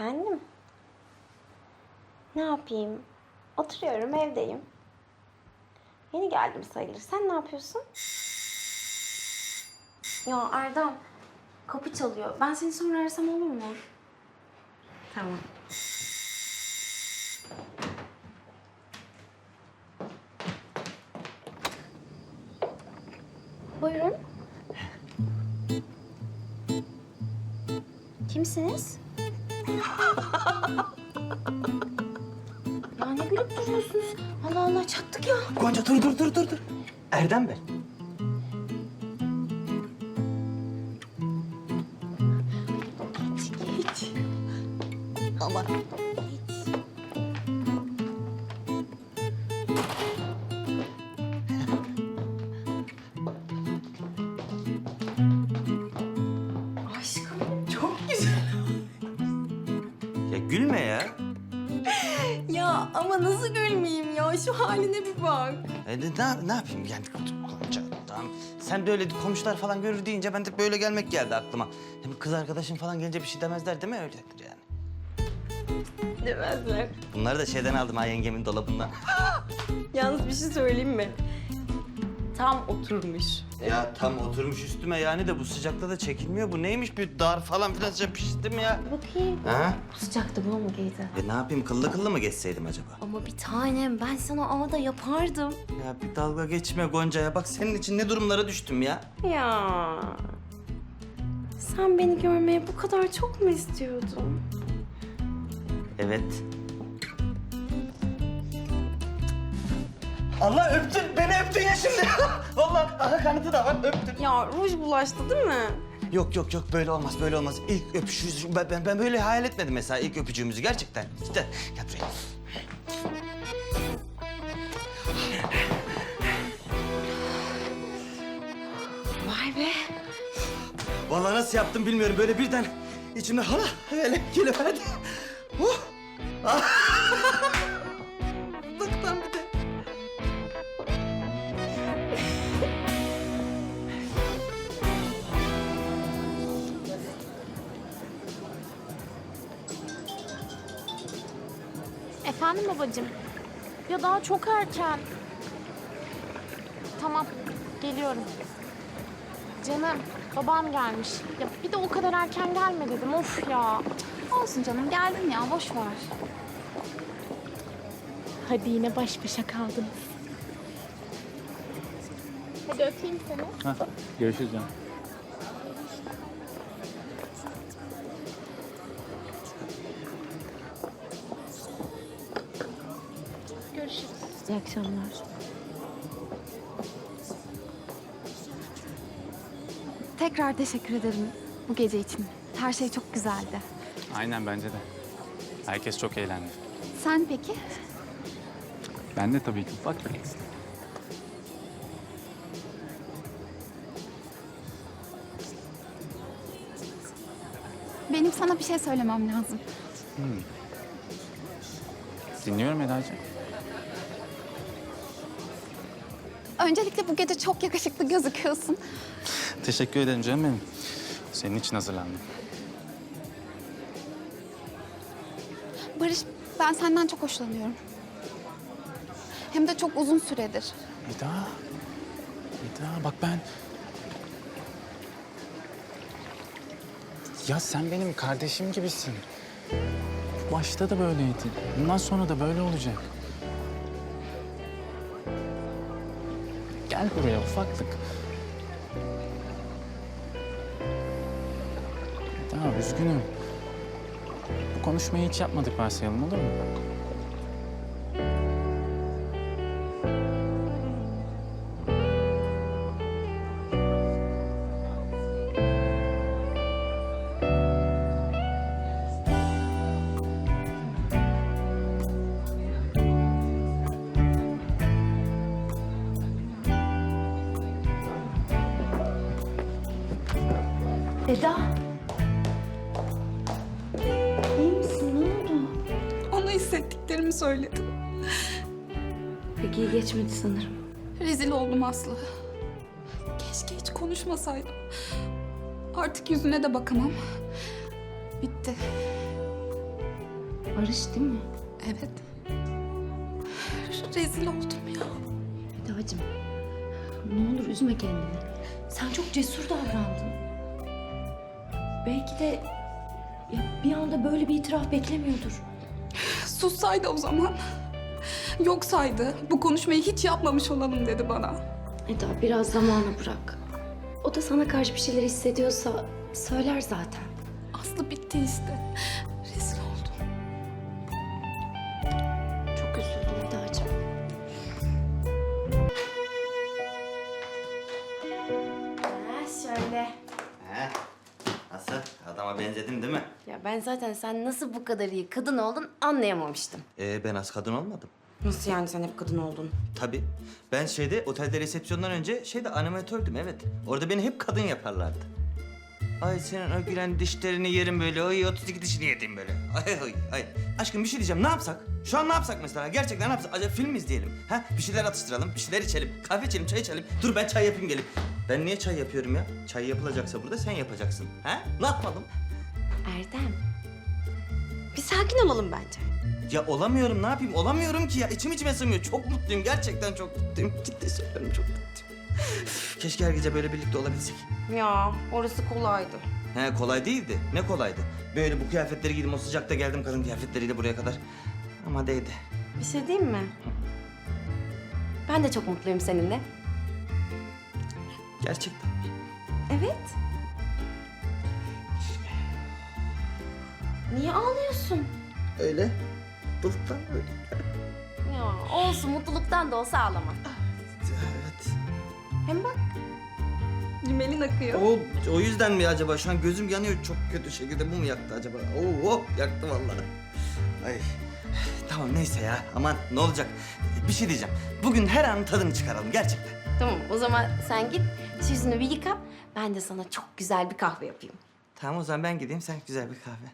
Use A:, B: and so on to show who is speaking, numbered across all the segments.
A: Efendim? Ne yapayım? Oturuyorum, evdeyim. Yeni geldim sayılır. Sen ne yapıyorsun? Ya Erdem, kapı çalıyor. Ben seni sonra arasam olur mu? Tamam. Buyurun. Kimsiniz? Ya ne gülüp duruyorsunuz? Allah Allah çattık ya.
B: Gonca dur. Erdem ben.
A: Hiç.
B: Aman.
A: Aşkım çok güzel.
B: Ya gülme ya.
A: Ya ama nasıl gülmeyeyim ya? Şu haline bir bak.
B: Ne yapayım yani Gonca? Tamam. Sen de öyle komşular falan görür deyince ben de böyle gelmek geldi aklıma. Hem kız arkadaşın falan gelince bir şey demezler değil mi öyledir yani?
A: Demezler.
B: Bunları da şeyden aldım ha yengemin dolabından.
A: Yalnız bir şey söyleyeyim mi? Tam oturmuş.
B: Ya tam oturmuş üstüme yani de bu sıcakta da çekilmiyor. Bu neymiş bir dar falan filan piştim ya.
A: Bakayım.
B: Ha?
A: Bu sıcakta bu mu giydi?
B: Ne yapayım kıllı mı geçseydim acaba?
A: Ama bir tanem ben sana ağda yapardım.
B: Ya bir dalga geçme Gonca'ya. Bak senin için ne durumlara düştüm ya.
A: Ya. Sen beni görmeye bu kadar çok mu istiyordun?
B: Evet. Allah öptün, beni öptün ya şimdi. Vallahi aha kanıtı da var, öptün.
A: Ya ruj bulaştı değil mi?
B: Yok böyle olmaz. İlk öpüşümüz, ben böyle hayal etmedim mesela ilk öpücüğümüzü gerçekten. İşte gel buraya.
A: Vay be.
B: Vallahi nasıl yaptım bilmiyorum. Böyle birden içimde hala öyle geliverdi. Bıktan bir de.
C: Efendim babacığım? Ya daha çok erken. Tamam, geliyorum. Canım, babam gelmiş. Ya bir de o kadar erken gelme dedim. Of ya.
D: Olsun canım geldin ya boş ver.
C: Hadi yine baş başa kaldınız. Hadi öpeyim seni.
E: Görüşürüz canım.
C: Görüşürüz.
A: İyi akşamlar.
D: Tekrar teşekkür ederim bu gece için. Her şey çok güzeldi.
E: Aynen bence de. Herkes çok eğlendi.
D: Sen peki?
E: Ben de tabii ki ufak.
D: Benim sana bir şey söylemem lazım.
E: Dinliyorum Eda'cığım.
D: Öncelikle bu gece çok yakışıklı gözüküyorsun.
E: Teşekkür ederim canım benim. Senin için hazırlandım.
D: Barış, ben senden çok hoşlanıyorum. Hem de çok uzun süredir.
E: Eda bak ben... Ya sen benim kardeşim gibisin. Başta da böyleydi. Bundan sonra da böyle olacak. Gel buraya ufaklık. Eda üzgünüm. Bu konuşmayı hiç yapmadık varsayalım olur mu?
A: Eda. İyi misin? Ne oldu?
D: Ona hissettiklerimi söyledim.
A: Peki iyi geçmedi sanırım.
D: Rezil oldum Aslı. Keşke hiç konuşmasaydım. Artık yüzüne de bakamam. Bitti.
A: Barış değil mi?
D: Evet. Rezil oldum ya.
A: Eda'cığım ne olur üzme kendini. Sen çok cesur davrandın. Belki de ya bir anda böyle bir itiraf beklemiyordur.
D: Sussaydı o zaman. Yok saydı. Bu konuşmayı hiç yapmamış olalım dedi bana.
A: Eda biraz zamanı bırak. O da sana karşı bir şeyler hissediyorsa söyler zaten.
D: Aslı bitti işte. Rezil oldum.
A: Çok üzüldüm Eda'cığım. Şöyle.
B: He? Nasıl? Adama benzedim değil mi?
A: Ya ben zaten sen nasıl bu kadar iyi kadın oldun anlayamamıştım.
B: Ben az kadın olmadım.
A: Nasıl yani sen hep kadın oldun?
B: Tabii. Ben otelde resepsiyondan önce animatördüm, evet. Orada beni hep kadın yaparlardı. Ay senin o gülen dişlerini yerim böyle. Ay 32 dişini yedim böyle. Ay. Aşkım bir şey diyeceğim. Ne yapsak? Şu an ne yapsak mesela? Gerçekten ne yapsak? Acaba film mi izleyelim? Ha? Bir şeyler atıştıralım, bir şeyler içelim. Kahve içelim, çay içelim. Dur ben çay yapayım gelip. Ben niye çay yapıyorum ya? Çay yapılacaksa burada sen yapacaksın. Ha? Ne yapalım?
A: Erdem. Bir sakin olalım bence.
B: Ya olamıyorum, ne yapayım? Olamıyorum ki ya. İçime sığmıyor. Çok mutluyum. Gerçekten çok mutluyum. Ciddi söylüyorum, çok mutluyum. Üf, keşke her gece böyle birlikte olabilsek.
A: Ya orası kolaydı.
B: He kolay değildi. Ne kolaydı? Böyle bu kıyafetleri giydim, o sıcakta geldim kadın kıyafetleriyle buraya kadar. Ama değdi.
A: Bir şey diyeyim mi? Ben de çok mutluyum seninle.
B: Gerçekten.
A: Evet. Niye ağlıyorsun?
B: Öyle. Mutluluktan öyle.
A: Ya olsun mutluluktan da olsa ağlama.
B: Evet.
A: Hem bak
D: Rimelin akıyor.
B: O yüzden mi acaba? Şu an gözüm yanıyor çok kötü şekilde. Bu mu yaktı acaba? Yaktı vallahi. Ay. Tamam neyse ya. Aman ne olacak? Bir şey diyeceğim. Bugün her anın tadını çıkaralım gerçekten.
A: tamam o zaman sen git yüzünü bir yıka. Ben de sana çok güzel bir kahve yapayım.
B: Tamam o zaman ben gideyim. Sen güzel bir kahve.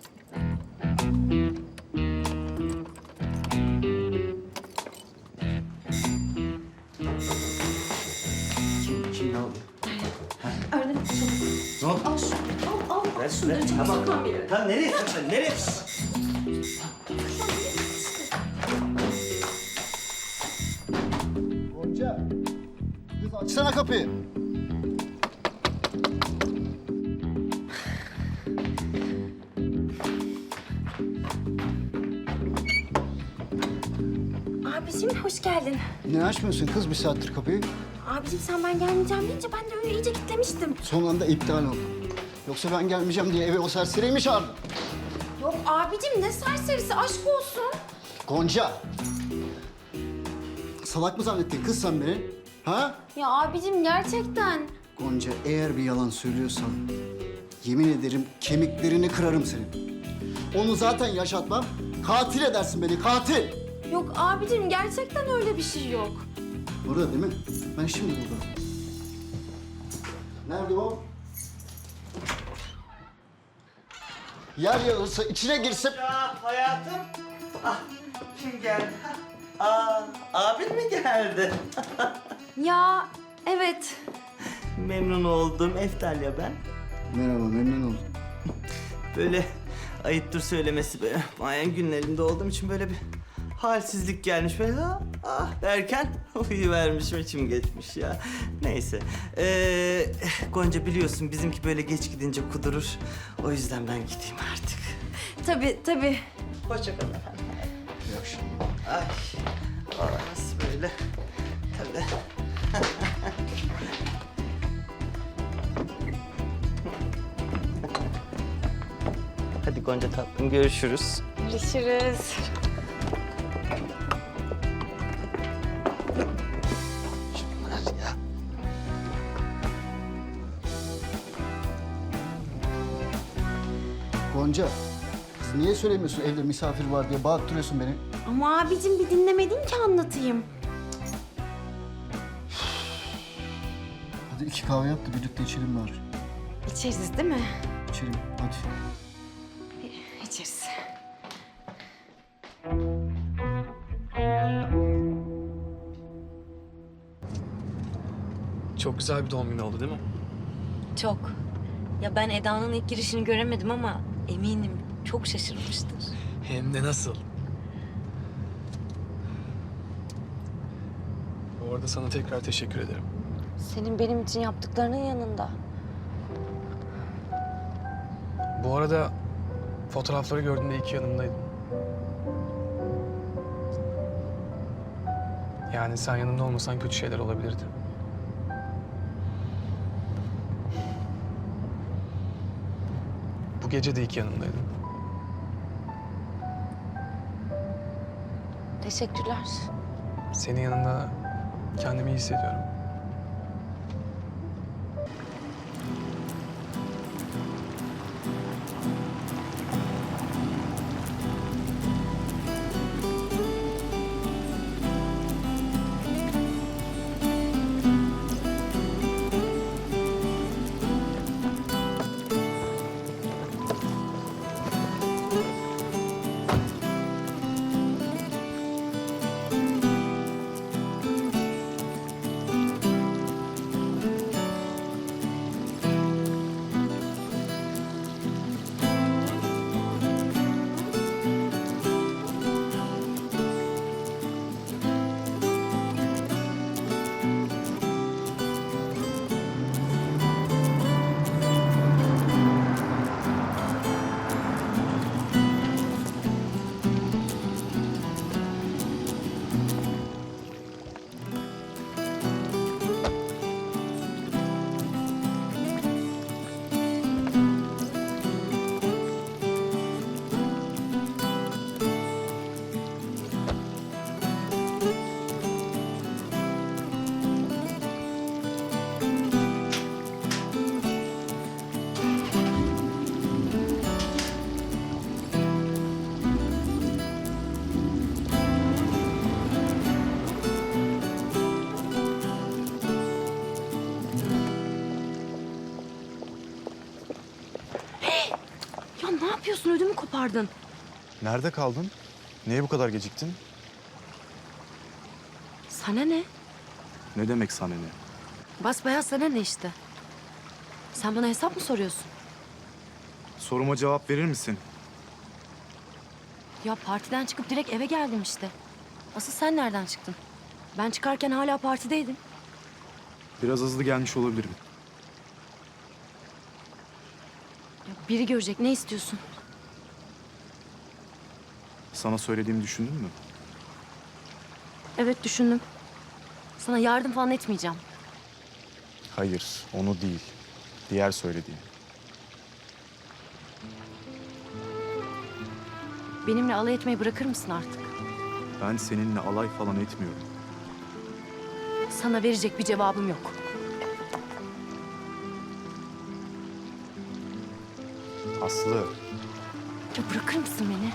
B: Kim ne oluyor?
A: Erdem çabuk.
B: Ne oldu?
A: Al şunu. Al.
B: Ver
A: Şunları çabuk sakan bir yere.
B: Tamam nereye saklan? Nereye?
F: Gonca, kız açsana kapıyı.
A: Abicim hoş geldin.
F: Ne açmıyorsun kız bir saattir kapıyı?
A: Abicim sen ben gelmeyeceğim deyince ben de öyle iyice kitlemiştim.
F: Son anda iptal oldu. Yoksa ben gelmeyeceğim diye eve o serseriyi mi çağırdın?
A: Yok abicim ne serserisi aşk olsun.
F: Gonca! Salak mı zannettin kız sen beni? Ha?
A: Ya abicim gerçekten.
F: Gonca eğer bir yalan söylüyorsan yemin ederim kemiklerini kırarım senin. Onu zaten yaşatmam. Katil edersin beni, katil!
A: Yok abicim gerçekten öyle bir şey yok.
F: Burada değil mi? Ben şimdi buldum. Nerede o? Yer yarılsa içine girse...
B: Ya hayatım. Ah, kim geldi? Abin mi geldi?
A: Ya evet.
B: Memnun oldum. Eftalya ben.
F: Merhaba, memnun oldum.
B: Böyle ayıptır söylemesi böyle mayen günlerinde olduğum için böyle bir halsizlik gelmiş böyle derken uyuvermişim içim geçmiş ya. Neyse. Gonca biliyorsun bizimki böyle geç gidince kudurur. O yüzden ben gideyim artık.
A: Tabii.
B: Hoşça kalın efendim.
F: İyi akşamlar.
B: Ay. Nasıl böyle? Tabii. Hadi Gonca tatlım görüşürüz.
A: Görüşürüz.
B: Şunlar ya.
F: Gonca, kız niye söylemiyorsun evde misafir var diye bağırttırıyorsun beni?
A: Ama abicim bir dinlemedin ki anlatayım.
F: Hadi 2 kahve yap da birlikte içelim bari.
A: İçeriz değil mi?
F: İçelim, hadi.
A: İçeriz.
E: Çok güzel bir doğum günü oldu değil mi?
G: Çok. Ya ben Eda'nın ilk girişini göremedim ama eminim çok şaşırmıştır.
E: Hem de nasıl? Bu arada sana tekrar teşekkür ederim.
G: Senin benim için yaptıklarının yanında.
E: Bu arada fotoğrafları gördüğümde iki yanımdaydın. Yani sen yanımda olmasan kötü şeyler olabilirdi. Bu gece de iki yanımdaydın.
G: Teşekkürler.
E: Senin yanında kendimi iyi hissediyorum.
G: Ya ne yapıyorsun? Ödümü kopardın.
H: Nerede kaldın? Niye bu kadar geciktin?
G: Sana ne?
H: Ne demek sana ne?
G: Basbayağı sana ne işte? Sen bana hesap mı soruyorsun?
H: Soruma cevap verir misin?
G: Ya partiden çıkıp direkt eve geldim işte. Asıl sen nereden çıktın? Ben çıkarken hala partideydim.
H: Biraz hızlı gelmiş olabilirim.
G: Ya biri görecek. Ne istiyorsun?
H: Sana söylediğimi düşündün mü?
G: Evet düşündüm. Sana yardım falan etmeyeceğim.
H: Hayır, onu değil. Diğer söylediğim.
G: Benimle alay etmeyi bırakır mısın artık?
H: Ben seninle alay falan etmiyorum.
G: Sana verecek bir cevabım yok.
H: Aslı,
G: Ya bırakır mısın beni?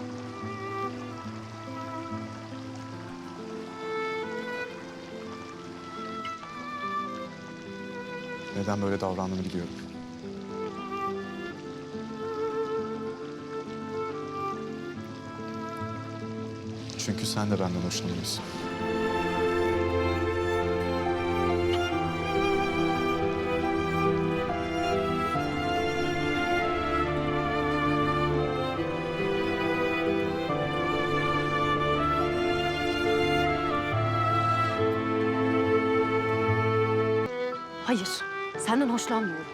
H: neden böyle davrandığını biliyorum. Çünkü sen de benden hoşlanıyorsun.
G: Hayır. Senden hoşlanmıyorum.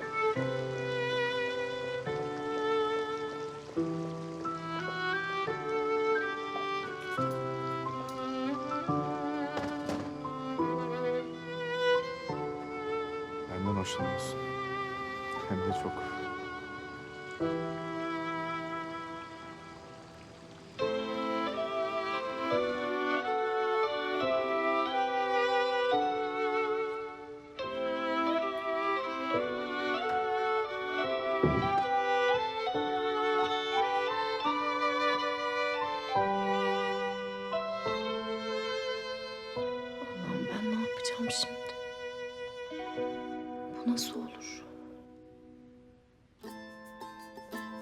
H: Benden hoşlanıyorsun. Hem de çok.
G: Allah'ım ben ne yapacağım şimdi? Bu nasıl olur?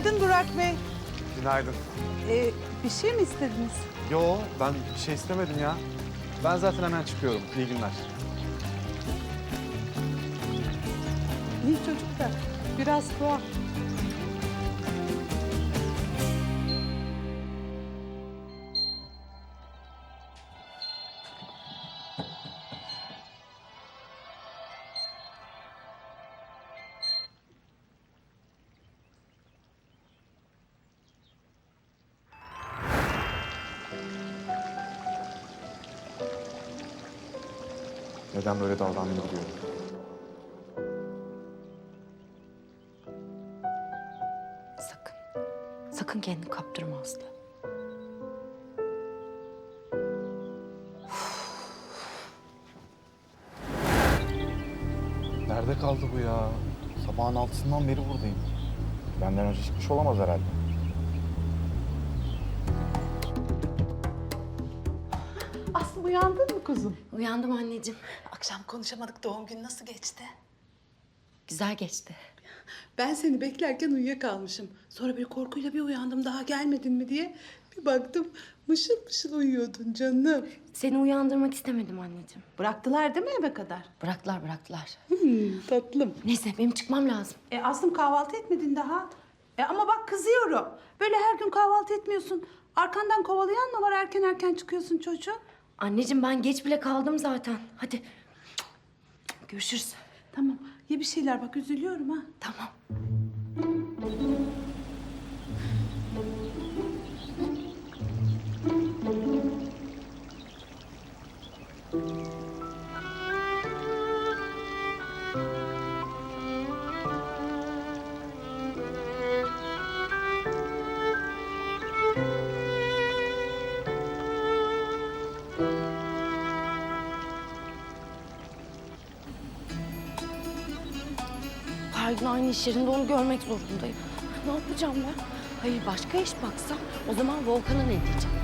I: Günaydın Burak Bey.
H: Günaydın.
I: Bir şey mi istediniz?
H: Yo, ben bir şey istemedim ya. Ben zaten hemen çıkıyorum. İyi günler.
I: İyi çocuk da biraz tuhaf.
H: Neden böyle davrandığını biliyorum.
G: Sakın. Sakın kendini kaptırma Aslı.
H: Nerede kaldı bu ya? Sabahın 6'sından beri buradayım. Benden önce çıkmış olamaz herhalde.
I: Aslı uyandın mı kuzum?
G: Uyandım anneciğim.
I: Akşam konuşamadık. Doğum günü nasıl geçti?
G: Güzel geçti.
I: Ben seni beklerken uyuyakalmışım. Sonra bir korkuyla bir uyandım daha gelmedin mi diye. Bir baktım mışıl mışıl uyuyordun canım.
G: Seni uyandırmak istemedim anneciğim.
I: Bıraktılar değil mi eve kadar?
G: Bıraktılar.
I: Tatlım.
G: Neyse benim çıkmam lazım.
I: Aslım kahvaltı etmedin daha. Ama bak kızıyorum. Böyle her gün kahvaltı etmiyorsun. Arkandan kovalayan mı var erken çıkıyorsun çocuğum?
G: Anneciğim ben geç bile kaldım zaten. Hadi. Görüşürüz.
I: Tamam ye bir şeyler bak üzülüyorum ha.
G: Tamam. Her gün aynı iş yerinde onu görmek zorundayım. Ne yapacağım ben? Hayır başka iş baksam o zaman Volkan'a ne diyeceğim?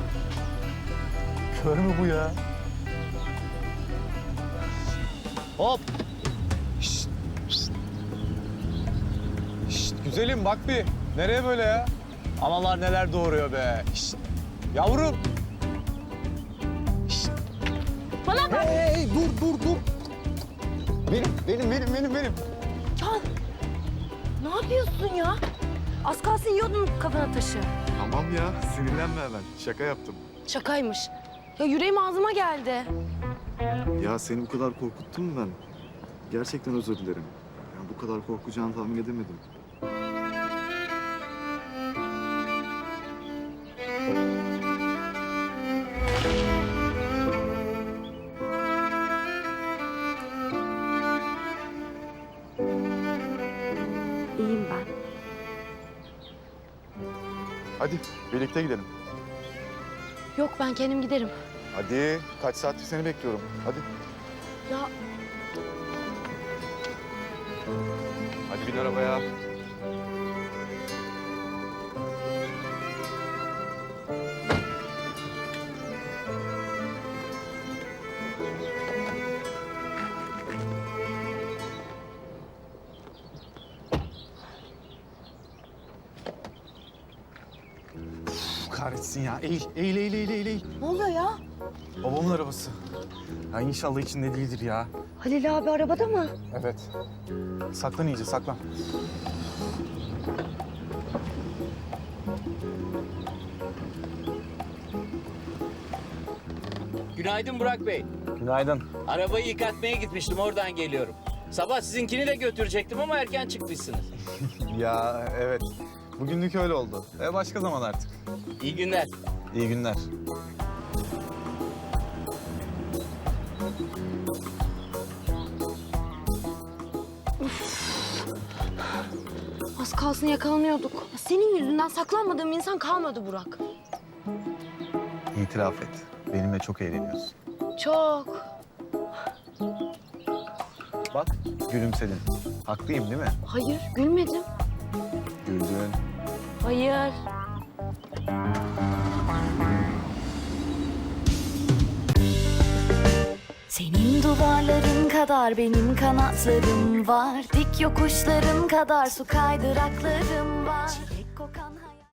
H: Kör mü bu ya? Hop! Şşt, şşt. Şşt, güzelim bak bir. Nereye böyle ya? Analar neler doğuruyor be. Şşt. Yavrum! Şşt.
G: Bana bak!
H: Hey, dur. Benim.
G: Can! Ne yapıyorsun ya? Az kalsın yiyordun kafana taşı.
H: Tamam ya, sinirlenme hemen. Şaka yaptım.
G: Şakaymış. Ya yüreğim ağzıma geldi.
H: Ya seni bu kadar korkuttum mu ben? Gerçekten özür dilerim. Yani bu kadar korkacağını tahmin edemedim.
G: İyiyim ben.
H: Hadi birlikte gidelim.
G: Yok ben kendim giderim.
H: Hadi kaç saattir seni bekliyorum. Hadi.
G: Ya
H: Hadi bin arabaya. Kahretsin ya. Eğil.
G: ne oluyor ya?
H: Babamın arabası. Ya inşallah içinde değildir ya.
G: Halil abi arabada mı?
H: Evet. Saklan iyice, saklan.
J: Günaydın Burak Bey.
H: Günaydın.
J: Arabayı yıkatmaya gitmiştim, oradan geliyorum. Sabah sizinkini de götürecektim ama erken çıkmışsınız.
H: Ya evet. Bugünlük öyle oldu. Başka zaman artık.
J: İyi günler.
H: İyi günler.
G: Az kalsın yakalanıyorduk. Senin yüzünden saklanmadığım insan kalmadı Burak.
H: İtiraf et. Benimle çok eğleniyorsun.
G: Çok.
H: Bak, gülümsedin. Haklıyım değil mi?
G: Hayır gülmedim.
H: Güldün.
G: Hayır.
K: Senin duvarların kadar benim kanatlarım var. Dik yokuşların kadar su kaydıraklarım var. kokan her